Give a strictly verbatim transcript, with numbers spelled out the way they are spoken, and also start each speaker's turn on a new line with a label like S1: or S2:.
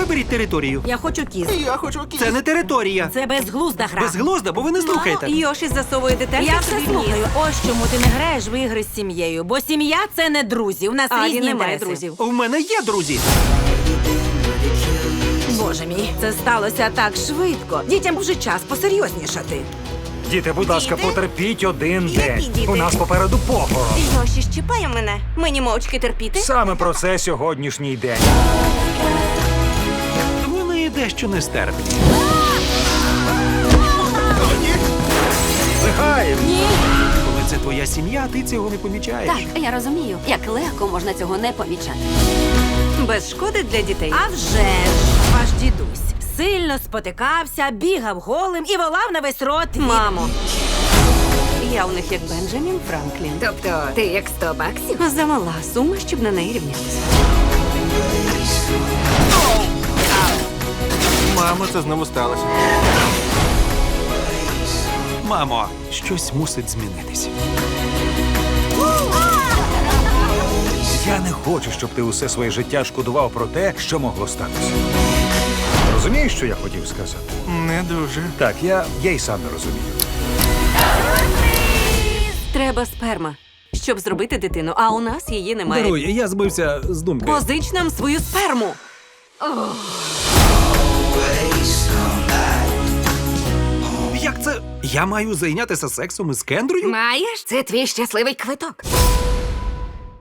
S1: Виберіть територію.
S2: Я хочу кіз.
S3: Я хочу кіс.
S1: Це не територія.
S2: Це безглузда гра.
S1: Безглузда, бо ви не слухаєте.
S4: Йоші засовує деталі.
S2: Я
S4: в собі
S2: все
S4: в ніс.
S2: слухаю. Ось чому ти не граєш в ігри з сім'єю. Бо сім'я – це не друзі. У нас
S4: А,
S2: різні
S4: він не має
S2: інтереси.
S4: друзів.
S1: У мене є друзі.
S2: Боже мій, це сталося так швидко. Дітям вже час посерйознішати.
S5: Діти, будь ласка,
S4: Діти?
S5: потерпіть один
S4: Які
S5: день.
S4: діти?
S5: У нас попереду похорон.
S4: Йоші щіпає мене. Мені мовчки терпіти.
S5: Саме про це сьогоднішній день.
S1: Вони дещо нестерпні.
S5: Лихаєм!
S1: Коли це твоя сім'я, ти цього не помічаєш.
S6: Так, я розумію, як легко можна цього не помічати.
S4: Без шкоди для дітей.
S2: А вже ж, ваш дідусь сильно спотикався, бігав голим і волав на весь рот. від-
S4: Мамо. Я у них як Бенджамін Франклін.
S6: Тобто, ти як сто баксів?
S4: Замала сума, щоб на неї рівнятися.
S3: Мамо, це знову сталося.
S1: Мамо, щось мусить змінитись.
S5: Я не хочу, щоб ти усе своє життя шкодував про те, що могло статися. Розумієш, що я хотів сказати?
S3: Не дуже.
S5: Так, я, я й сам не розумію.
S4: Треба сперма, щоб зробити дитину, а у нас її немає.
S7: Даруй, я збився з думки.
S4: Позич нам свою сперму.
S1: Як це? Я маю зайнятися сексом із Кендрою?
S6: Маєш? Це твій щасливий квиток.